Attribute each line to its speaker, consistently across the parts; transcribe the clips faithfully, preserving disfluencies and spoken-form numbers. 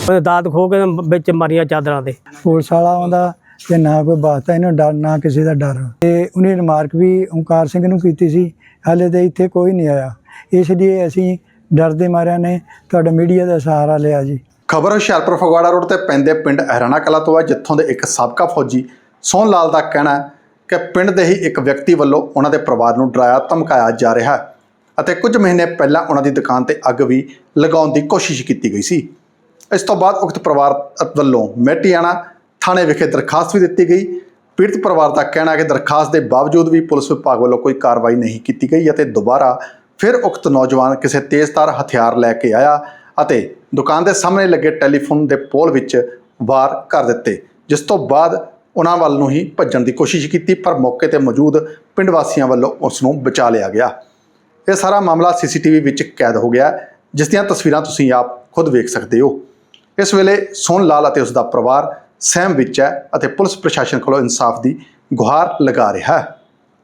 Speaker 1: दात खो के बिच मारिया चादरां ते
Speaker 2: पुलिस वाला आउंदा ते ना कोई वास्ता इन्हूं डर ना किसी का डर। ते उन्हें रिमार्क भी ओंकार सिंह नूं कीती सी, हाले तो इत्थे कोई नहीं आया, इसलिए असीं डरदे मारिया ने तुहाडा मीडिया का सहारा लिया जी।
Speaker 3: खबर हुशियारपुर फगवाड़ा रोड ते पैंदे पिंड अहराणा कला तो है, जित्थों दे एक साबका फौजी सोहन लाल का कहना है कि पिंड दे ही एक व्यक्ति ਵੱਲੋਂ ਉਹਨਾਂ ਦੇ ਪਰਿਵਾਰ ਨੂੰ ਡਰਾਇਆ ਧਮਕਾਇਆ ਜਾ ਰਿਹਾ ਹੈ ਅਤੇ ਕੁਝ ਮਹੀਨੇ ਪਹਿਲਾਂ ਉਹਨਾਂ ਦੀ ਦੁਕਾਨ ਤੇ ਅੱਗ ਵੀ ਲਗਾਉਣ ਦੀ ਕੋਸ਼ਿਸ਼ ਕੀਤੀ ਗਈ ਸੀ। ਇਸ ਤੋਂ ਬਾਅਦ ਉਕਤ ਪਰਿਵਾਰ ਵੱਲੋਂ ਮੇਟੀਆਣਾ ਥਾਣੇ ਵਿਖੇ ਦਰਖਾਸਤ ਵੀ ਦਿੱਤੀ ਗਈ। ਪੀੜਤ ਪਰਿਵਾਰ ਦਾ ਕਹਿਣਾ ਹੈ ਕਿ ਦਰਖਾਸਤ ਦੇ ਬਾਵਜੂਦ ਵੀ ਪੁਲਿਸ ਵਿਭਾਗ ਵੱਲੋਂ ਕੋਈ ਕਾਰਵਾਈ ਨਹੀਂ ਕੀਤੀ ਗਈ ਅਤੇ ਦੁਬਾਰਾ ਫਿਰ ਉਕਤ ਨੌਜਵਾਨ ਕਿਸੇ ਤੇਜ਼ਧਾਰ ਹਥਿਆਰ ਲੈ ਕੇ ਆਇਆ ਅਤੇ ਦੁਕਾਨ ਦੇ ਸਾਹਮਣੇ ਲੱਗੇ ਟੈਲੀਫੋਨ ਦੇ ਪੋਲ ਵਿੱਚ ਵਾਰ ਕਰ ਦਿੱਤੇ, ਜਿਸ ਤੋਂ ਬਾਅਦ ਉਹਨਾਂ ਵੱਲ ਨੂੰ ਹੀ ਭੱਜਣ ਦੀ ਕੋਸ਼ਿਸ਼ ਕੀਤੀ, ਪਰ ਮੌਕੇ ਤੇ ਮੌਜੂਦ ਪਿੰਡ ਵਾਸੀਆਂ ਵੱਲੋਂ ਉਸ ਨੂੰ ਬਚਾ ਲਿਆ ਗਿਆ। ਇਹ ਸਾਰਾ ਮਾਮਲਾ ਸੀਸੀਟੀਵੀ ਵਿੱਚ ਕੈਦ ਹੋ ਗਿਆ, ਜਿਸ ਦੀਆਂ ਤਸਵੀਰਾਂ ਤੁਸੀਂ ਆਪ ਖੁਦ ਵੇਖ ਸਕਦੇ ਹੋ। ਇਸ ਵੇਲੇ ਸੋਹਨ ਲਾਲ ਅਤੇ ਉਸ ਦਾ ਪਰਿਵਾਰ ਸਹਿਮ ਵਿੱਚ ਹੈ ਅਤੇ ਪੁਲਿਸ ਪ੍ਰਸ਼ਾਸਨ ਕੋਲੋਂ ਇਨਸਾਫ ਦੀ ਗੁਹਾਰ ਲਗਾ ਰਿਹਾ ਹੈ।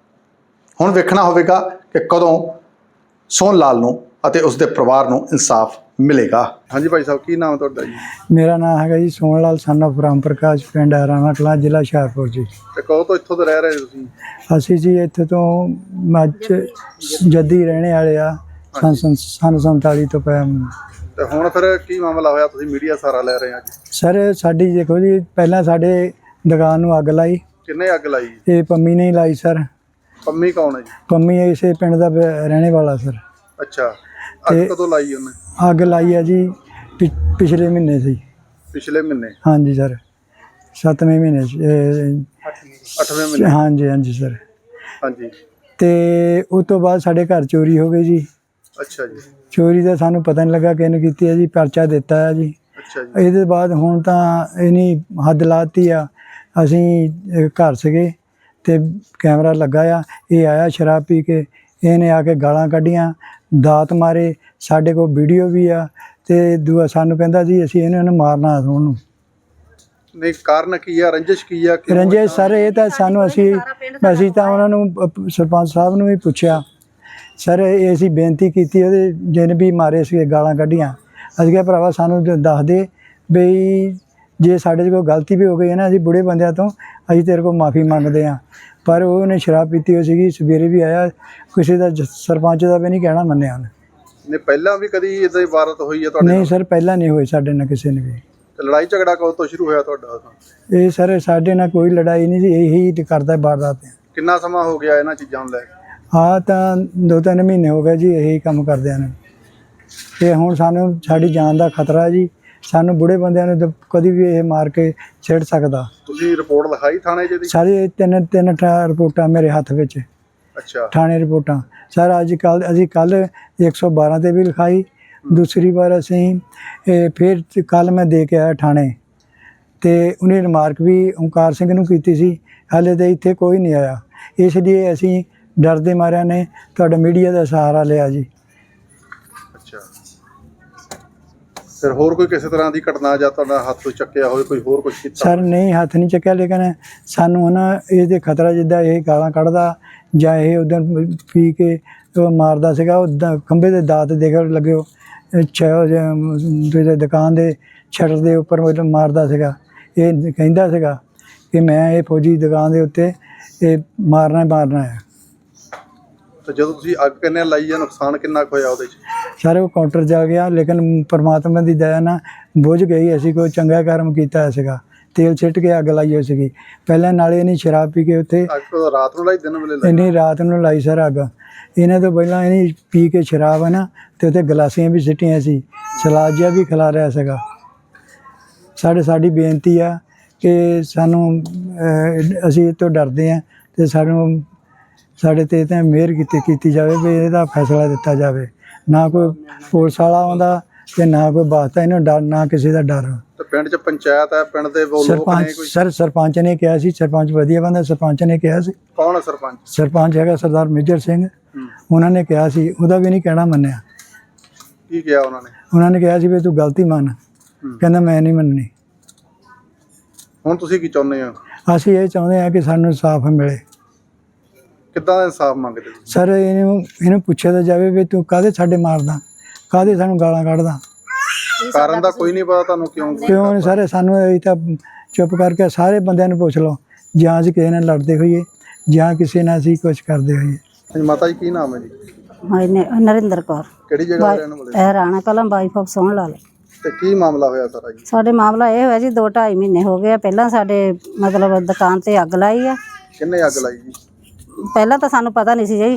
Speaker 3: ਹੁਣ ਵੇਖਣਾ ਹੋਵੇਗਾ ਕਿ ਕਦੋਂ ਸੋਹਨ ਲਾਲ ਨੂੰ ਅਤੇ ਉਸ ਦੇ ਪਰਿਵਾਰ ਨੂੰ ਇਨਸਾਫ ਮਿਲੇਗਾ। ਹਾਂਜੀ ਭਾਈ ਸਾਹਿਬ, ਕੀ ਨਾਮ ਤੁਹਾਡਾ ਜੀ?
Speaker 2: मेरा नाम है जी सोहन लाल सन ऑफ राम प्रकाश, पिंड अहराणा कला, जिला हुशियारपुर जी।
Speaker 3: ਤੇ ਕਦੋਂ ਤੋਂ ਇੱਥੋਂ ਦੇ ਰਹਿ ਰਹੇ ਤੁਸੀਂ?
Speaker 2: ਅਸੀਂ ਜੀ ਇੱਥੇ ਤੋਂ ਮੱਝ ਜੱਦੀ ਰਹਿਣੇ ਵਾਲੇ ਆ, ਸੰਨ ਸੰਨ ਸੰਨ ਸੰਤਾਲੀ ਤੋਂ ਪਿਆ।
Speaker 3: ਤੇ ਹੁਣ ਫਿਰ ਕੀ ਮਾਮਲਾ ਹੋਇਆ, ਤੁਸੀਂ ਮੀਡੀਆ ਸਹਾਰਾ ਲੈ ਰਹੇ ਆ ਜੀ?
Speaker 2: ਸਰ ਸਾਡੀ ਦੇਖੋ ਜੀ, ਪਹਿਲਾਂ ਸਾਡੇ ਦੁਕਾਨ ਨੂੰ ਅੱਗ ਲਾਈ।
Speaker 3: ਕਿੰਨੇ ਅੱਗ ਲਾਈ?
Speaker 2: ਇਹ ਪੰਮੀ ਨੇ ਹੀ ਲਾਈ ਸਰ।
Speaker 3: ਪੰਮੀ ਕੌਣ ਹੈ ਜੀ?
Speaker 2: ਪੰਮੀ ਇਸੇ ਪਿੰਡ ਦਾ ਬ- ਰਹਿਣੇ ਵਾਲਾ ਸਰ।
Speaker 3: ਅੱਛਾ, ਅੱਗ
Speaker 2: ਤੇ-
Speaker 3: ਕਦੋਂ ਲਾਈ ਉਹਨੇ?
Speaker 2: ਅੱਗ ਲਾਈ ਹੈ ਜੀ ਪਿ- ਪਿਛਲੇ ਮਹੀਨੇ ਸੀ।
Speaker 3: ਪਿਛਲੇ ਮਹੀਨੇ?
Speaker 2: ਹਾਂਜੀ ਸਰ, ਸੱਤਵੇਂ ਮਹੀਨੇ 'ਚ, ਇਹ,
Speaker 3: ਅੱਠਵੇਂ ਮਹੀਨੇ?
Speaker 2: ਹਾਂਜੀ ਹਾਂਜੀ ਸਰ।
Speaker 3: ਹਾਂਜੀ।
Speaker 2: ਤੇ ਉਸ ਤੋਂ ਬਾਅਦ ਸਾਡੇ ਘਰ ਚੋਰੀ ਹੋ ਗਈ ਜੀ।
Speaker 3: ਅੱਛਾ ਜੀ।
Speaker 2: ਚੋਰੀ ਦਾ ਸਾਨੂੰ ਪਤਾ ਨਹੀਂ ਲੱਗਾ ਕਿਹਨੇ ਕੀਤੀ ਹੈ ਜੀ, ਪਰਚਾ ਦਿੱਤਾ ਹੈ ਜੀ।
Speaker 3: ਅੱਛਾ ਜੀ।
Speaker 2: ਇਹਦੇ ਬਾਅਦ ਹੁਣ ਤਾਂ ਇਹਨੀ ਹੱਦ ਲਾਤੀ ਆ। ਅਸੀਂ ਅਹ, ਘਰ ਸੀਗੇ ਤੇ ਕੈਮਰਾ ਲੱਗਾ ਆ, ਇਹ ਆਇਆ ਸ਼ਰਾਬ ਪੀ ਕੇ, ਇਹਨੇ ਆ ਕੇ ਗਾਲਾਂ ਕੱਢੀਆਂ, ਦਾਤ ਮਾਰੇ, ਸਾਡੇ ਕੋਲ ਵੀਡੀਓ ਵੀ ਆ। ਤੇ ਦੂਆ ਸਾਨੂੰ ਕਹਿੰਦਾ ਜੀ ਅਸੀਂ ਇਹਨੂੰ ਇਹਨੂੰ ਮਾਰਨਾ ਉਹਨੂੰ।
Speaker 3: ਨਹੀਂ, ਕਾਰਨ ਕੀ ਆ? ਰੰਜਿਸ਼ ਕੀ ਆ? ਕਿਉਂ
Speaker 2: ਰੰਜੇ
Speaker 3: ਏਦਾਂ?
Speaker 2: ਸਰ ਇਹ ਤਾਂ ਸਾਨੂੰ ਅਸੀਂ ਅਸੀਂ ਤਾਂ ਉਹਨਾਂ ਨੂੰ ਅਹ, ਸਰਪੰਚ ਸਾਹਿਬ ਨੂੰ ਵੀ ਪੁੱਛਿਆ ਸਰ, ਇਹ ਅਸੀਂ ਬੇਨਤੀ ਕੀਤੀ, ਉਹਦੇ ਜਿਹਨੇ ਵੀ ਮਾਰੇ ਸੀ ਗਾਲਾਂ ਕੱਢੀਆਂ। ਅਸੀਂ ਕਿਹਾ ਭਰਾਵਾ ਸਾਨੂੰ ਦ- ਦੱਸ ਦੇ ਬਈ ਜੇ ਸਾਡੇ 'ਚ ਕੋਈ ਗਲਤੀ ਵੀ ਹੋ ਗਈ ਹੈ ਨਾ, ਅਸੀਂ ਬੁੜੇ ਬੰਦਿਆਂ ਤੋਂ ਅਸੀਂ ਤੇਰੇ ਕੋਲ ਮਾफ़ੀ ਮੰਗਦੇ ਹਾਂ। ਪਰ ਉਹਨੇ ਸ਼ਰਾਬ ਪੀਤੀ ਹੋਈ ਸੀਗੀ, ਸਵੇਰੇ ਵੀ ਆਇਆ, ਕਿਸੇ ਦਾ ਜ- ਸਰਪੰਚ ਦਾ ਵੀ ਨਹੀਂ ਕਹਿਣਾ ਮੰਨਿਆ ਉਹਨੇ।
Speaker 3: ਨਹੀਂ, ਪਹਿਲਾਂ ਵੀ ਕਦੀ ਇਦਾਂ ਦੀ ਵਾਰਤ ਹੋਈ ਹੈ ਤੁਹਾਡੇ
Speaker 2: ਨਹੀਂ
Speaker 3: ਨਾਲ?
Speaker 2: ਸਰ, ਪਹਿਲਾਂ ਨਹੀਂ ਹੋਈ ਸਾਡੇ ਨਾਲ ਕਿਸੇ ਨੇ ਵੀ।
Speaker 3: ਤੇ ਲੜਾਈ ਝਗੜਾ ਕਦੋਂ ਤੋਂ ਸ਼ੁਰੂ ਹੋਇਆ ਤੁਹਾਡਾ?
Speaker 2: ਇਹ ਸਰ ਸਾਡੇ ਨਾਲ ਕੋਈ ਲੜਾਈ ਨਹੀਂ ਸੀ, ਇਹੀ ਕਰਦਾ ਵਾਰਦਾਤ।
Speaker 3: ਕਿੰਨਾ ਸਮਾਂ ਹੋ ਗਿਆ ਇਹਨਾਂ ਚੀਜ਼ਾਂ ਨੂੰ ਲੈ ਕੇ?
Speaker 2: ਹਾਂ ਤਾਂ ਦੋ ਤਿੰਨ ਮਹੀਨੇ ਹੋ ਗਏ ਜੀ ਇਹੀ ਕੰਮ ਕਰਦਿਆਂ ਨੂੰ। ਤੇ ਹੁਣ ਸਾਨੂੰ ਸਾਡੀ ਜਾਨ ਦਾ ਖਤਰਾ ਜੀ, ਸਾਨੂੰ ਬੁੜੇ ਬੰਦਿਆਂ ਨੂੰ ਤਾਂ ਕਦੀ ਵੀ ਇਹ ਮਾਰ ਕੇ ਛੇੜ ਸਕਦਾ।
Speaker 3: ਤੁਸੀਂ ਰਿਪੋਰਟ ਲਿਖਾਈ ਥਾਣੇ 'ਚ ਇਹਦੀ?
Speaker 2: ਸਾਰੇ ਤਿੰਨ ਤਿੰਨ ਠਾ- ਰਿਪੋਰਟਾਂ ਮੇਰੇ ਹੱਥ ਵਿੱਚ,
Speaker 3: ਅੱਛਾ।
Speaker 2: ਥਾਣੇ ਰਿਪੋਰਟਾਂ ਸਰ। ਅੱਜ ਕੱਲ੍ਹ ਅਸੀਂ ਕੱਲ੍ਹ ਇੱਕ ਸੌ ਬਾਰਾਂ 'ਤੇ ਵੀ ਲਿਖਾਈ, ਦੂਸਰੀ ਵਾਰ ਅਸੀਂ ਇਹ ਫਿਰ ਕੱਲ੍ਹ ਮੈਂ ਦੇ ਕੇ ਆਇਆ ਥਾਣੇ, ਤੇ ਉਹਨੇ ਰਿਮਾਰਕ ਵੀ ਓਂਕਾਰ ਸਿੰਘ ਨੂੰ ਕੀਤੀ ਸੀ, ਹਾਲੇ ਤਾਂ ਇੱਥੇ ਕੋਈ ਨਹੀਂ ਆਇਆ, ਇਸ ਲਈ ਅਸੀਂ ਡਰਦੇ ਮਾਰਿਆ ਨੇ ਤੁਹਾਡਾ ਮੀਡੀਆ ਦਾ ਸਹਾਰਾ ਲਿਆ ਜੀ।
Speaker 3: ਅੱਛਾ, ਫਿਰ ਹੋਰ ਕੋਈ ਕਿਸੇ ਤਰ੍ਹਾਂ ਦੀ ਘਟਨਾ ਜਾਂ ਤੁਹਾਡਾ ਹੱਥ ਚੱਕਿਆ ਹੋਵੇ, ਕੋਈ ਹੋਰ ਕੁਝ ਕੀਤਾ?
Speaker 2: ਸਰ ਨਹੀਂ, ਹੱਥ ਨਹੀਂ ਚੱਕਿਆ, ਲੇਕਿਨ ਸਾਨੂੰ ਨਾ ਇਹਦੇ ਖਤਰਾ, ਜਿੱਦਾਂ ਇਹ ਗਾਲਾਂ ਕੱਢਦਾ ਜਾਂ ਇਹ ਉਦੋਂ ਪੀ ਕੇ ਉਹ ਮਾਰਦਾ ਸੀਗਾ, ਉਹ ਖੰਭੇ ਦੇ ਦਾਤ ਦੇਖ ਲੱਗੇ, ਉਹ ਦੁਕਾਨ ਦੇ ਸ਼ਟਰ ਦੇ ਉੱਪਰ ਮਤਲਬ ਮਾਰਦਾ ਸੀਗਾ। ਇਹ ਕਹਿੰਦਾ ਸੀਗਾ ਕਿ ਮੈਂ ਇਹ ਫੌਜੀ ਦੁਕਾਨ ਦੇ ਉੱਤੇ ਇਹ ਮਾਰਨਾ ਹੀ ਮਾਰਨਾ ਹੈ।
Speaker 3: ਤੇ ਜਦੋਂ ਤੁਸੀਂ ਅੱਗ ਕਿੰਨੇ ਲਾਈ ਆ, ਨੁਕਸਾਨ ਕਿੰਨਾ ਕੁ ਹੋਇਆ ਉਹਦੇ 'ਚ?
Speaker 2: ਸਾਰੇ ਉਹ ਕਾਊਂਟਰ ਜਾ ਗਿਆ, ਲੇਕਿਨ ਪਰਮਾਤਮਾ ਦੀ ਦਇਆ ਨਾਲ ਬੁਝ ਗਈ। ਅਸੀਂ ਕੋਈ ਚੰਗਾ ਕਰਮ ਕੀਤਾ ਸੀਗਾ, ਤੇਲ ਛਿੱਟ ਕੇ ਅੱਗ ਲਾਈ ਹੋਈ ਸੀਗੀ ਪਹਿਲਾਂ, ਨਾਲੇ ਇਹਨੇ ਸ਼ਰਾਬ ਪੀ ਕੇ ਉੱਥੇ।
Speaker 3: ਅੱਗ ਰਾਤ ਨੂੰ ਲਾਈ, ਦਿਨ ਵੇਲੇ ਲਾਈ?
Speaker 2: ਇਹਨੇ ਰਾਤ ਨੂੰ ਲਾਈ ਸਰ ਅੱਗ। ਇਹਨਾਂ ਤੋਂ ਪਹਿਲਾਂ ਇਹਨੇ ਪੀ ਕੇ ਸ਼ਰਾਬ ਹੈ ਨਾ, ਤੇ ਉੱਥੇ ਗਲਾਸੀਆਂ ਵੀ ਸਿੱਟੀਆਂ ਸੀ, ਸਲਾਦ ਜਿਹਾ ਵੀ ਖਿਲਾ ਰਿਹਾ ਸੀਗਾ। ਸਾਡੇ ਸਾਡੀ ਬੇਨਤੀ ਆ ਕਿ ਸਾਨੂੰ ਅਹ, ਅਸੀਂ ਇਹ ਤੋਂ ਡਰਦੇ ਹਾਂ, ਤੇ ਸਾਨੂੰ ਸਾਡੇ 'ਤੇ ਤਾਂ ਮਿਹਰ ਕੀਤੀ ਕੀਤੀ ਜਾਵੇ ਵੀ ਇਹਦਾ ਫੈਸਲਾ ਦਿੱਤਾ ਜਾਵੇ। ਨਾ ਕੋਈ ਪੁਲਿਸ ਵਾਲਾ ਆਉਂਦਾ ਤੇ ਨਾ ਕੋਈ ਵਾਸਤਾ, ਇਹਨੂੰ ਡਰ ਨਾ ਕਿਸੇ ਦਾ ਡਰ।
Speaker 3: ਤੇ ਪਿੰਡ 'ਚ ਪੰਚਾਇਤ ਹੈ, ਪਿੰਡ ਦੇ ਉਹ ਲੋਕ
Speaker 2: ਸਰਪੰਚ
Speaker 3: ਨੇ ਕੋਈ?
Speaker 2: ਸਰ ਸਰਪੰਚ ਨੇ ਕਿਹਾ ਸੀ, ਸਰਪੰਚ ਵਧੀਆ ਬੰਦਾ, ਸਰਪੰਚ ਨੇ ਕਿਹਾ ਸੀ।
Speaker 3: ਕੌਣ ਹੈ ਸਰਪੰਚ?
Speaker 2: ਸਰਪੰਚ ਹੈਗਾ ਸਰਦਾਰ ਮੇਜਰ ਸਿੰਘ,
Speaker 3: ਹੂੰ।
Speaker 2: ਉਹਨਾਂ ਨੇ ਕਿਹਾ ਸੀ, ਉਹਦਾ ਵੀ ਨਹੀਂ ਕਹਿਣਾ ਮੰਨਿਆ।
Speaker 3: ਕੀ ਕਿਹਾ ਉਹਨਾਂ ਨੇ?
Speaker 2: ਉਹਨਾਂ ਨੇ ਕਿਹਾ ਸੀ ਵੀ ਤੂੰ ਗਲਤੀ ਮੰਨ,
Speaker 3: ਹੂੰ।
Speaker 2: ਕਹਿੰਦਾ ਮੈਂ ਨਹੀਂ ਮੰਨਣੀ।
Speaker 3: ਹੁਣ ਤੁਸੀਂ ਕੀ ਚਾਹੁੰਦੇ ਹੋ?
Speaker 2: ਅਸੀਂ ਇਹ ਚਾਹੁੰਦੇ ਹਾਂ ਕਿ ਸਾਨੂੰ ਇਨਸਾਫ ਮਿਲੇ।
Speaker 3: ਕਿੱਦਾਂ ਦਾ ਇਨਸਾਫ ਮੰਗਦੇ ਤੁਸੀਂ?
Speaker 2: ਸਰ ਇਹਨੂੰ ਇਹਨੂੰ ਪੁੱਛਿਆ ਤਾਂ ਜਾਵੇ ਵੀ ਤੂੰ ਕਾਹਦੇ ਸਾਡੇ ਮਾਰਦਾ, ਕਾਹਦੇ ਸਾਨੂੰ ਗਾਲਾਂ ਕੱਢਦਾ।
Speaker 4: ਕੀ
Speaker 3: ਕਾਰਨ ਦਾ ਕੋਈ ਨਹੀਂ ਪਤਾ ਤੁਹਾਨੂੰ ਕਿਉਂ
Speaker 2: ਕਿਉਂ ਨਹੀਂ ਸਾਰੇ ਸਾਨੂੰ ਇਹ ਤਾਂ ਚੁੱਪ ਕਰਕੇ ਸਾਰੇ ਬੰਦਿਆਂ ਨੂੰ ਪੁੱਛ ਲਓ, ਜਾਂ ਅਸੀਂ ਕਿਸੇ ਨਾਲ ਲੜਦੇ ਹੋਈਏ ਜਾਂ ਕਿਸੇ ਨਾਲ ਅਸੀਂ ਕੁਝ ਕਰਦੇ ਹੋਈਏ।
Speaker 3: ਹਾਂਜੀ ਮਾਤਾ ਜੀ ਕੀ ਨਾਮ ਹੈ ਜੀ?
Speaker 4: ਮੈਂ ਨਰਿੰਦਰ ਕੌਰ,
Speaker 3: ਕਿਹੜੀ ਜਗ੍ਹਾ ਦੇ ਰਹਿਣ ਵਾਲੇ?
Speaker 4: ਇਹ ਰਾਣਾ ਕਲਾਂ ਵਾਈਫ ਆਫ ਸੋਹਣ ਲਾਲ।
Speaker 3: ਤੇ ਕੀ ਮਾਮਲਾ ਹੋਇਆ ਸਾਰਾ ਜੀ?
Speaker 4: ਸਾਡੇ ਮਾਮਲਾ ਇਹ ਹੋਇਆ ਜੀ, ਦੋ ਢਾਈ ਮਹੀਨੇ ਹੋ ਗਏ ਆ। ਪਹਿਲਾਂ ਸਾਡੇ ਮਤਲਬ ਦੁਕਾਨ ਤੇ ਅੱਗ ਲਾਈ ਆ।
Speaker 3: ਕਿੰਨੇ ਅੱਗ ਲਾਈ ਜੀ?
Speaker 4: ਪਹਿਲਾਂ ਤਾਂ ਸਾਨੂੰ ਪਤਾ ਨਹੀਂ ਸੀ ਜੀ,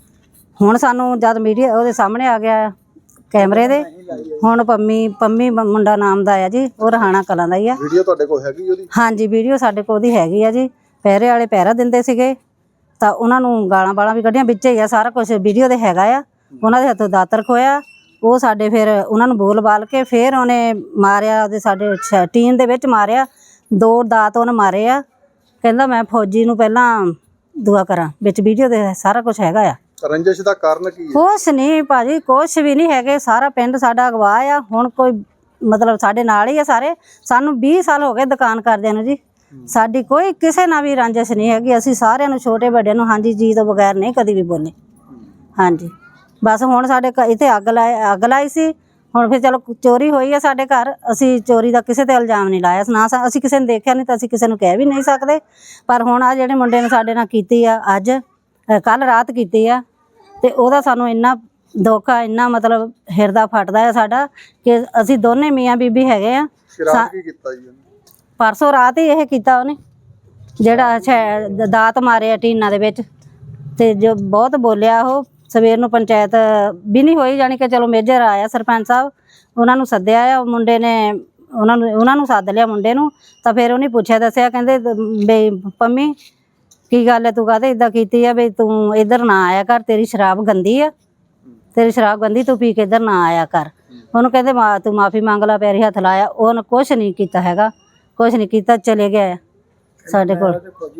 Speaker 4: ਹੁਣ ਸਾਨੂੰ ਜਦ ਮੀਡੀਆ ਉਹਦੇ ਸਾਹਮਣੇ ਆ ਗਿਆ ਕੈਮਰੇ ਦੇ, ਹੁਣ ਪੰਮੀ ਪੰਮੀ ਮੁੰਡਾ ਨਾਮ ਦਾ ਆ ਜੀ, ਉਹ ਰਹਾਣਾ ਕਲਾਂ ਦਾ ਹੀ ਆ।
Speaker 3: ਵੀਡੀਓ ਤੁਹਾਡੇ ਕੋਲ ਹੈਗੀ ਉਹਦੀ?
Speaker 4: ਹਾਂਜੀ, ਵੀਡੀਓ ਸਾਡੇ ਕੋਲ ਉਹਦੀ ਹੈਗੀ ਆ ਜੀ। ਪਹਿਰੇ ਵਾਲੇ ਪਹਿਰਾ ਦਿੰਦੇ ਸੀਗੇ ਤਾਂ ਉਹਨਾਂ ਨੂੰ ਗਾਲਾਂ ਬਾਲਾਂ ਵੀ ਕੱਢੀਆਂ, ਵਿੱਚ ਹੀ ਆ ਸਾਰਾ ਕੁਝ ਵੀਡੀਓ ਦੇ ਹੈਗਾ ਆ। ਉਹਨਾਂ ਦੇ ਹੱਥੋਂ ਦਾਤਰ ਖੋਇਆ, ਉਹ ਸਾਡੇ ਫਿਰ ਉਹਨਾਂ ਨੂੰ ਬੋਲ ਬਾਲ ਕੇ ਫਿਰ ਉਹਨੇ ਮਾਰਿਆ, ਉਹਦੇ ਸਾਡੇ ਟੀਨ ਦੇ ਵਿੱਚ ਮਾਰਿਆ, ਦੋ ਦਾਤ ਉਹਨੇ ਮਾਰੇ ਆ। ਕਹਿੰਦਾ ਮੈਂ ਫੌਜੀ ਨੂੰ ਪਹਿਲਾਂ ਦੁਆ ਕਰਾਂ, ਵਿੱਚ ਵੀਡੀਓ ਦੇ ਸਾਰਾ ਕੁਝ ਹੈਗਾ ਆ।
Speaker 3: ਰੰਜਿਸ਼ ਦਾ ਕਾਰਨ ਕੀ ਹੈ?
Speaker 4: ਕੁਛ ਨਹੀਂ ਭਾਜੀ, ਕੁਛ ਵੀ ਨਹੀਂ ਹੈਗੇ। ਸਾਰਾ ਪਿੰਡ ਸਾਡਾ ਅਗਵਾ ਆ। ਹੁਣ ਕੋਈ ਮਤਲਬ ਸਾਡੇ ਨਾਲ ਹੀ ਆ ਸਾਰੇ। ਸਾਨੂੰ ਵੀਹ ਸਾਲ ਹੋ ਗਏ ਦੁਕਾਨ ਕਰਦਿਆਂ ਨੂੰ ਜੀ। ਸਾਡੀ ਕੋਈ ਕਿਸੇ ਨਾਲ ਵੀ ਰੰਜਿਸ਼ ਨਹੀਂ ਹੈਗੀ। ਅਸੀਂ ਸਾਰਿਆਂ ਨੂੰ ਛੋਟੇ ਵੱਡਿਆਂ ਨੂੰ ਹਾਂਜੀ ਜੀ ਤੋਂ ਬਗੈਰ ਨਹੀਂ ਕਦੀ ਵੀ ਬੋਲੇ। ਹਾਂਜੀ, ਬਸ ਹੁਣ ਸਾਡੇ ਘ- ਇੱਥੇ ਅੱਗ ਲਾਈ ਅੱਗ ਲਾਈ ਸੀ। ਹੁਣ ਫਿਰ ਚਲੋ ਚੋਰੀ ਹੋਈ ਹੈ ਸਾਡੇ ਘਰ, ਅਸੀਂ ਚੋਰੀ ਦਾ ਕਿਸੇ ਤੇ ਇਲਜ਼ਾਮ ਨਹੀਂ ਲਾਇਆ ਨਾ। ਅਸੀਂ ਕਿਸੇ ਨੇ ਦੇਖਿਆ ਨਹੀਂ ਤਾਂ ਅਸੀਂ ਕਿਸੇ ਨੂੰ ਕਹਿ ਵੀ ਨਹੀਂ ਸਕਦੇ। ਪਰ ਹੁਣ ਆ ਜਿਹੜੇ ਮੁੰਡੇ ਨੇ ਸਾਡੇ ਨਾਲ ਕੀਤੀ ਆ, ਅੱਜ ਕੱਲ ਰਾਤ ਕੀਤੀ ਆ, ਤੇ ਉਹਦਾ ਸਾਨੂੰ ਇੰਨਾ ਦੁੱਖ ਆ, ਇੰਨਾ ਮਤਲਬ ਹਿਰਦਾ ਫਟਦਾ ਆ ਸਾਡਾ ਕਿ ਅਸੀਂ ਦੋਨੇ ਮੀਆਂ ਬੀਬੀ ਹੈਗੇ ਆ।
Speaker 3: ਸ਼ਰਾਬ ਕੀ ਕੀਤਾ ਜੀ ਉਹਨੇ?
Speaker 4: ਪਰਸੋਂ ਰਾਤ ਹੀ ਇਹ ਕੀਤਾ ਉਹਨੇ, ਜਿਹੜਾ ਛੈ- ਦਾਤ ਮਾਰਿਆ ਟੀਨਾਂ ਦੇ ਵਿੱਚ, ਤੇ ਜੋ ਬਹੁਤ ਬੋਲਿਆ ਉਹ। ਸਵੇਰ ਨੂੰ ਪੰਚਾਇਤ ਵੀ ਨਹੀਂ ਹੋਈ, ਜਾਣੀ ਕਿ ਚਲੋ ਮੇਜਰ ਆਇਆ ਸਰਪੰਚ ਸਾਹਿਬ, ਉਹਨਾਂ ਨੂੰ ਸੱਦਿਆ ਆ। ਮੁੰਡੇ ਨੇ ਉਹਨਾਂ ਨੂੰ ਉਹਨਾਂ ਨੂੰ ਸੱਦ ਲਿਆ ਮੁੰਡੇ ਨੂੰ, ਤਾਂ ਫਿਰ ਉਹਨੇ ਪੁੱਛਿਆ ਦੱਸਿਆ, ਕਹਿੰਦੇ ਬਈ ਪੰਮੀ ਕੀ ਗੱਲ ਹੈ, ਤੂੰ ਕਾਹਦੇ ਇੱਦਾਂ ਕੀਤੀ ਆ, ਬਈ ਤੂੰ ਇੱਧਰ ਨਾ ਆਇਆ ਕਰ, ਤੇਰੀ ਸ਼ਰਾਬ ਗੰਦੀ ਆ, ਤੇਰੀ ਸ਼ਰਾਬ ਗੰਦੀ, ਤੂੰ ਪੀ ਕੇ ਇੱਧਰ ਨਾ ਆਇਆ ਕਰ। ਉਹਨੂੰ ਕਹਿੰਦੇ ਮਾ ਤੂੰ ਮਾਫੀ ਮੰਗ ਲਾ, ਪੈਰੀ ਹੱਥ ਲਾਇਆ। ਉਹਨੇ ਕੁਛ ਨਹੀਂ ਕੀਤਾ ਹੈਗਾ, ਕੁਛ ਨਹੀਂ ਕੀਤਾ, ਚਲੇ ਗਿਆ ਸਾਡੇ ਕੋਲ।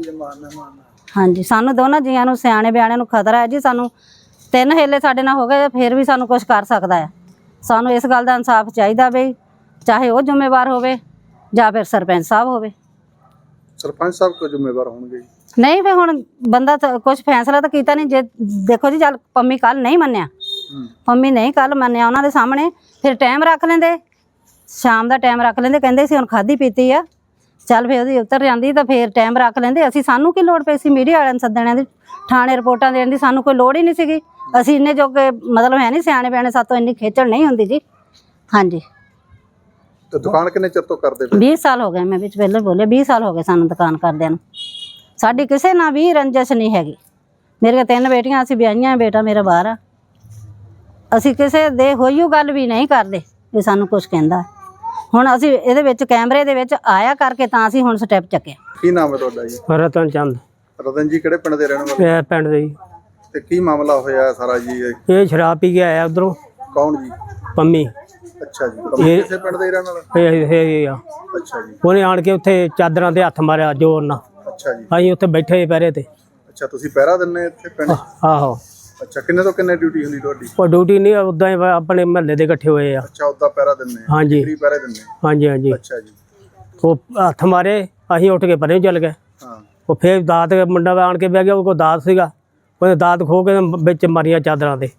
Speaker 4: ਹਾਂਜੀ, ਸਾਨੂੰ ਦੋਨਾਂ ਜੀਆਂ ਨੂੰ, ਸਿਆਣੇ ਬਿਆਣਿਆਂ ਨੂੰ ਖਤਰਾ ਹੈ ਜੀ। ਸਾਨੂੰ ਤਿੰਨ ਹੇਲੇ ਸਾਡੇ ਨਾਲ ਹੋ ਗਏ, ਫਿਰ ਵੀ ਸਾਨੂੰ ਕੁਛ ਕਰ ਸਕਦਾ ਹੈ। ਸਾਨੂੰ ਇਸ ਗੱਲ ਦਾ ਇਨਸਾਫ ਚਾਹੀਦਾ ਬਈ, ਚਾਹੇ ਉਹ ਜ਼ਿੰਮੇਵਾਰ ਹੋਵੇ ਜਾਂ ਫਿਰ ਸਰਪੰਚ ਸਾਹਿਬ ਹੋਵੇ।
Speaker 3: ਸਰਪੰਚ ਸਾਹਿਬ ਕੋ ਜ਼ਿੰਮੇਵਾਰ ਹੋਣਗੇ?
Speaker 4: ਨਹੀਂ ਫਿਰ ਹੁਣ ਬੰਦਾ ਤਾਂ ਕੁਛ ਫੈਸਲਾ ਤਾਂ ਕੀਤਾ ਨਹੀਂ। ਜੇ ਦੇਖੋ ਜੀ, ਚੱਲ ਪੰਮੀ ਕੱਲ ਨਹੀਂ ਮੰਨਿਆ, ਪੰਮੀ ਨਹੀਂ ਕੱਲ ਮੰਨਿਆ ਉਹਨਾਂ ਦੇ ਸਾਹਮਣੇ, ਫਿਰ ਟਾਈਮ ਰੱਖ ਲੈਂਦੇ, ਸ਼ਾਮ ਦਾ ਟਾਈਮ ਰੱਖ ਲੈਂਦੇ। ਕਹਿੰਦੇ ਸੀ ਹੁਣ ਖਾਧੀ ਪੀਤੀ ਆ, ਚੱਲ ਫਿਰ ਉਹਦੀ ਉਤਰ ਜਾਂਦੀ ਤਾਂ ਫਿਰ ਟਾਈਮ ਰੱਖ ਲੈਂਦੇ। ਅਸੀਂ ਸਾਨੂੰ ਕੀ ਲੋੜ ਪਈ ਸੀ ਮੀਡੀਆ ਵਾਲਿਆਂ ਨੂੰ ਸੱਦਣ ਦੀ, ਥਾਣੇ ਰਿਪੋਰਟਾਂ ਦੇਣ ਦੀ? ਸਾਨੂੰ ਕੋਈ ਲੋੜ ਹੀ ਨਹੀਂ ਸੀਗੀ। ਅਸੀਂ ਇੰਨੇ ਜੋਗੇ ਮਤਲਬ ਹੈ ਨਹੀਂ, ਸਿਆਣੇ ਬਿਆਣੇ, ਸਾਤੋਂ ਇੰਨੀ ਖੇਚਲ ਨਹੀਂ ਹੁੰਦੀ ਜੀ। ਹਾਂਜੀ,
Speaker 3: ਤੇ ਦੁਕਾਨ ਕਿੰਨੇ ਚਿਰ ਤੋਂ ਕਰਦੇ ਪਏ?
Speaker 4: ਵੀਹ ਸਾਲ ਹੋ ਗਏ। ਮੈਂ ਵਿੱਚ ਪਹਿਲੇ ਬੋਲੇ ਵੀਹ ਸਾਲ ਹੋ ਗਏ ਸਾਨੂੰ ਦੁਕਾਨ ਕਰਦਿਆਂ ਨੂੰ। ਸਾਡੀ ਕਿਸੇ ਨਾਲ ਵੀ ਰੰਜਿਸ਼ ਨਹੀਂ ਹੈਗੀ। ਮੇਰੀਆਂ ਤਿੰਨ ਬੇਟੀਆਂ, ਅਸੀਂ ਵਿਆਹੀਆਂ, ਬੇਟਾ ਮੇਰਾ ਬਾਹਰ ਆ। ਅਸੀਂ ਕਿਸੇ ਦੇ ਹੋਈਓ ਗੱਲ ਵੀ ਨਹੀਂ ਕਰਦੇ ਵੀ ਸਾਨੂੰ ਕੁਝ ਕਹਿੰਦਾ। ਹੁਣ ਅਸੀਂ ਇਹਦੇ ਵਿੱਚ ਕੈਮਰੇ ਦੇ ਵਿੱਚ ਆਇਆ ਕਰਕੇ ਤਾਂ ਅਸੀਂ ਹੁਣ ਸਟੈਪ ਚੱਕਿਆ।
Speaker 3: ਕੀ ਨਾਮ ਹੈ ਤੁਹਾਡਾ ਜੀ?
Speaker 1: ਰਤਨ ਚੰਦ।
Speaker 3: ਰਤਨ ਜੀ ਕਿਹੜੇ ਪਿੰਡ ਦੇ ਰਹਿਣ ਵਾਲੇ?
Speaker 1: ਇਹ ਪਿੰਡ ਦੇ ਜੀ।
Speaker 3: ਤੇ ਕੀ ਮਾਮਲਾ ਹੋਇਆ ਸਾਰਾ ਜੀ? ਇਹ
Speaker 1: ਇਹ ਸ਼ਰਾਬ ਪੀ ਕੇ ਆਇਆ ਉਧਰੋਂ,
Speaker 3: ਕੌਣ ਜੀ?
Speaker 1: ਪੰਮੀ।
Speaker 3: ਅੱਛਾ ਜੀ, ਪੰਮੀ ਕਿਸੇ ਪਿੰਡ ਦੇ ਹੀ ਰਹਿਣ ਵਾਲਾ?
Speaker 1: ਇਹ ਇਹ ਆ।
Speaker 3: ਅੱਛਾ ਜੀ,
Speaker 1: ਉਹਨੇ ਆਣ ਕੇ ਉੱਥੇ ਚਾਦਰਾਂ ਤੇ ਹੱਥ ਮਾਰਿਆ ਜ਼ੋਰ ਨਾਲ।
Speaker 3: ਅੱਛਾ ਜੀ,
Speaker 1: ਅਸੀਂ ਉੱਥੇ ਬੈਠੇ ਪਹਿਰੇ ਤੇ।
Speaker 3: ਅੱਛਾ, ਤੁਸੀਂ ਪਹਿਰਾ ਦਿੰਦੇ ਇੱਥੇ ਪਿੰਡ?
Speaker 1: ਆਹੋ।
Speaker 3: ਅੱਛਾ, ਕਿੰਨੇ ਤੋਂ ਕਿੰਨੇ ਡਿਊਟੀ ਹੁੰਦੀ ਤੁਹਾਡੀ?
Speaker 1: ਉਹ ਡਿਊਟੀ ਨਹੀਂ, ਉਦਾਂ ਹੀ ਆਪਣੇ ਮਹੱਲੇ ਦੇ ਇਕੱਠੇ ਹੋਏ ਆ।
Speaker 3: ਅੱਛਾ, ਉੱਦਾਂ ਪਹਿਰਾ ਦਿੰਦੇ?
Speaker 1: ਹਾਂਜੀ
Speaker 3: ਫ੍ਰੀ ਪਹਿਰੇ ਦਿੰਦੇ?
Speaker 1: ਹਾਂਜੀ ਹਾਂਜੀ।
Speaker 3: ਅੱਛਾ ਜੀ,
Speaker 1: ਉਹ ਹੱਥ ਮਾਰੇ, ਅਸੀਂ ਉੱਠ ਕੇ ਪਰੇ ਨੂੰ ਚੱਲ ਗਏ।
Speaker 3: ਹਾਂ।
Speaker 1: ਉਹ ਫੇਰ ਦਾਤ ਮੁੰਡਾ ਆਣ ਕੇ ਬਹਿ ਗਿਆ, ਉਹ ਕੋਲ ਦਾਤ ਸੀਗਾ, ਉਹਨੇ ਦਾਤ ਖੋ ਕੇ ਵਿੱਚ ਮਾਰੀਆਂ ਚਾਦਰਾਂ ਤੇ,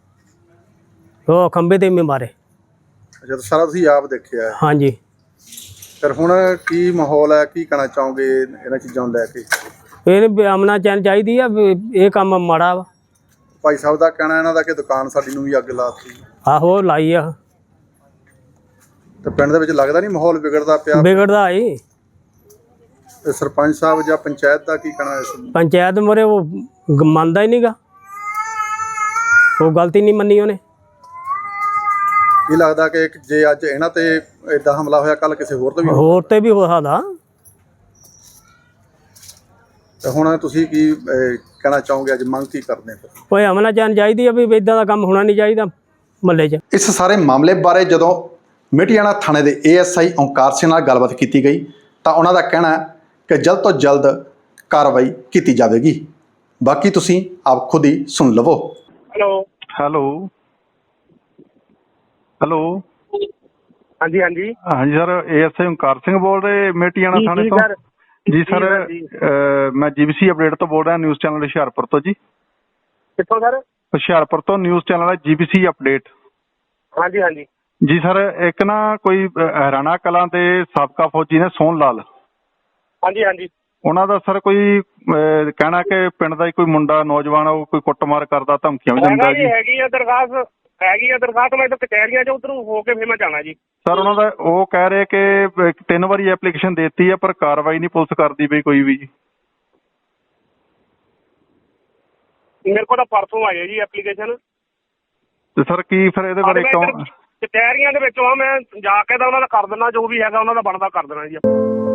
Speaker 1: ਉਹ ਖੰਭੇ ਤੇ ਵੀ ਮਾਰੇ।
Speaker 3: ਅੱਛਾ, ਤਾਂ ਸਾਰਾ ਤੁਸੀਂ ਆਪ ਦੇਖਿਆ ਹੈ?
Speaker 1: ਹਾਂਜੀ।
Speaker 3: ਫਿਰ ਹੁਣ ਕੀ ਮਾਹੌਲ ਹੈ, ਕੀ ਕਹਿਣਾ ਚਾਹੋਗੇ ਇਹਨਾਂ ਚੀਜ਼ਾਂ ਨੂੰ ਲੈ ਕੇ?
Speaker 1: ਇਹਨੇ ਅਮਨਾ ਚੈਨ ਚਾਹੀਦੀ ਆ ਵੀ ਇਹ ਕੰਮ ਮਾੜਾ ਵਾ।
Speaker 3: ਭਾਈ ਸਾਹਿਬ ਦਾ ਕਹਿਣਾ ਇਹਨਾਂ ਦਾ ਕਿ ਦੁਕਾਨ ਸਾਡੀ ਨੂੰ ਵੀ ਅੱਗ ਲਾਤੀ।
Speaker 1: ਆਹੋ ਲਾਈ ਆ।
Speaker 3: ਤੇ ਪਿੰਡ ਦੇ ਵਿੱਚ ਲੱਗਦਾ ਨਹੀਂ ਮਾਹੌਲ ਵਿਗੜਦਾ ਪਿਆ?
Speaker 1: ਵਿਗੜਦਾ ਏ।
Speaker 3: ਤੇ ਸਰਪੰਚ ਸਾਹਿਬ ਜਾਂ ਪੰਚਾਇਤ ਦਾ ਕੀ ਕਹਿਣਾ ਇਸ ਨੂੰ?
Speaker 1: ਪੰਚਾਇਤ ਮੋਰੇ ਉਹ ਗ- ਮੰਨਦਾ ਹੀ ਨਹੀਂਗਾ, ਉਹ ਗਲਤੀ ਨਹੀਂ ਮੰਨੀ ਉਹਨੇ।
Speaker 3: ਕੀ ਲੱਗਦਾ ਕਿ ਜੇ ਅੱਜ ਇਹਨਾਂ ਤੇ ਏਦਾਂ ਹਮਲਾ ਹੋਇਆ, ਕੱਲ ਕਿਸੇ ਹੋਰ ਤੇ ਵੀ?
Speaker 1: ਹੋਰ ਤੇ ਵੀ ਹੋ ਸਕਦਾ।
Speaker 3: ਤੇ ਹੁਣ ਤੁਸੀਂ ਕੀ ਅਹ, ਕਹਿਣਾ ਚਾਹੋਗੇ? ਅੱਜ ਮੰਗ ਕੀ ਕਰਦੇ ਫਿਰ?
Speaker 1: ਕੋਈ ਅਮਨਾ ਚੈਨ ਚਾਹੀਦੀ ਆ ਵੀ ਇਦਾਂ ਦਾ ਕੰਮ ਹੋਣਾ ਨਹੀਂ ਚਾਹੀਦਾ ਮਹੱਲੇ 'ਚ।
Speaker 3: ਇਸ ਸਾਰੇ ਮਾਮਲੇ ਬਾਰੇ ਜਦੋਂ ਮਿਟਿਆਣਾ ਥਾਣੇ ਦੇ A S I Onkar Singh ਨਾਲ ਗੱਲਬਾਤ ਕੀਤੀ ਗਈ ਤਾਂ ਉਹਨਾਂ ਦਾ ਕਹਿਣਾ ਹੈ ਕਿ ਜਲਦ ਤੋਂ ਜਲਦ ਕਾਰਵਾਈ ਕੀਤੀ ਜਾਵੇਗੀ। ਬਾਕੀ ਤੁਸੀਂ ਆਪ ਖੁਦ ਹੀ ਸੁਣ ਲਵੋ।
Speaker 5: ਹੈਲੋ
Speaker 6: ਹੈਲੋ ਹੈਲੋ
Speaker 5: ਹਾਂਜੀ ਹਾਂਜੀ
Speaker 6: ਹਾਂਜੀ sir, A S I Onkar Singh ਬੋਲ ਰਹੇ ਮੇਟੀਆਣਾ ਥਾਣੇ ਤੋਂ? ਜੀ ਸਰ, ਮੈਂ ਜੀਬੀਸੀ ਅਪਡੇਟ ਤੋਂ ਬੋਲ ਰਿਹਾ, ਨਿਊਜ਼ ਚੈਨਲ ਹੁਸ਼ਿਆਰਪੁਰ ਤੋਂ ਜੀ।
Speaker 5: ਕਿੱਥੋਂ ਸਰ?
Speaker 6: ਹੁਸ਼ਿਆਰਪੁਰ ਤੋਂ ਨਿਊਜ਼ ਚੈਨਲ ਹੈ ਜੀਬੀਸੀ ਅਪਡੇਟ।
Speaker 5: ਹਾਂਜੀ ਹਾਂਜੀ
Speaker 6: ਜੀ ਸਰ, ਇੱਕ ਨਾ ਕੋਈ ਅਹ, ਹਰਿਆਣਾ ਕਲਾਂ ਦੇ ਸਾਬਕਾ ਫੌਜੀ ਨੇ ਸੋਹਣ ਲਾਲ,
Speaker 5: ਹਾਂਜੀ ਹਾਂਜੀ
Speaker 6: ਉਹਨਾਂ ਦਾ ਸਰ ਕੋਈ ਅਹ, ਕਹਿਣਾ ਕਿ ਪਿੰਡ ਦਾ ਹੀ ਕੋਈ ਮੁੰਡਾ ਨੌਜਵਾਨ ਉਹ ਕੋਈ ਕੁੱਟਮਾਰ ਕਰਦਾ, ਧਮਕੀਆਂ ਵੀ ਦਿੰਦਾ
Speaker 5: ਹੈਗਾ ਜੀ
Speaker 6: ਜੀ।
Speaker 5: ਹੈਗੀ ਆ ਦਰਖਾਸਤ ਹੈਗੀ ਆ ਦਰਖਾਸਤ ਮੈਂ ਤਾਂ ਕਚਹਿਰੀਆਂ 'ਚ ਉੱਧਰੋਂ ਹੋ ਕੇ ਫਿਰ ਮੈਂ ਜਾਣਾ ਜੀ।
Speaker 6: ਸਰ ਉਹਨਾਂ ਦਾ ਉਹ ਕਹਿ ਰਹੇ ਕਿ ਅਹ, ਤਿੰਨ ਵਾਰੀ ਐਪਲੀਕੇਸ਼ਨ ਦੇਤੀ ਹੈ ਪਰ ਕਾਰਵਾਈ ਨਹੀਂ ਪੁਲਿਸ ਕਰਦੀ ਪਈ ਕੋਈ ਵੀ ਜੀ।
Speaker 5: ਮੇਰੇ ਕੋਲ ਤਾਂ ਪਰਸੋਂ ਆਈ ਹੈ ਜੀ ਐਪਲੀਕੇਸ਼ਨ।
Speaker 6: ਤੇ ਸਰ ਕੀ ਫਿਰ ਇਹਦੇ ਬਾਰੇ ਕਿਉਂ?
Speaker 5: ਕਚਹਿਰੀਆਂ ਦੇ ਵਿੱਚੋਂ ਆ, ਮੈਂ ਜਾ ਕੇ ਤਾਂ ਉਹਨਾਂ ਦਾ ਕਰ ਦਿੰਦਾ, ਜੋ ਵੀ ਹੈਗਾ ਉਹਨਾਂ ਦਾ ਬਣਦਾ ਕਰ ਦੇਣਾ ਜੀ।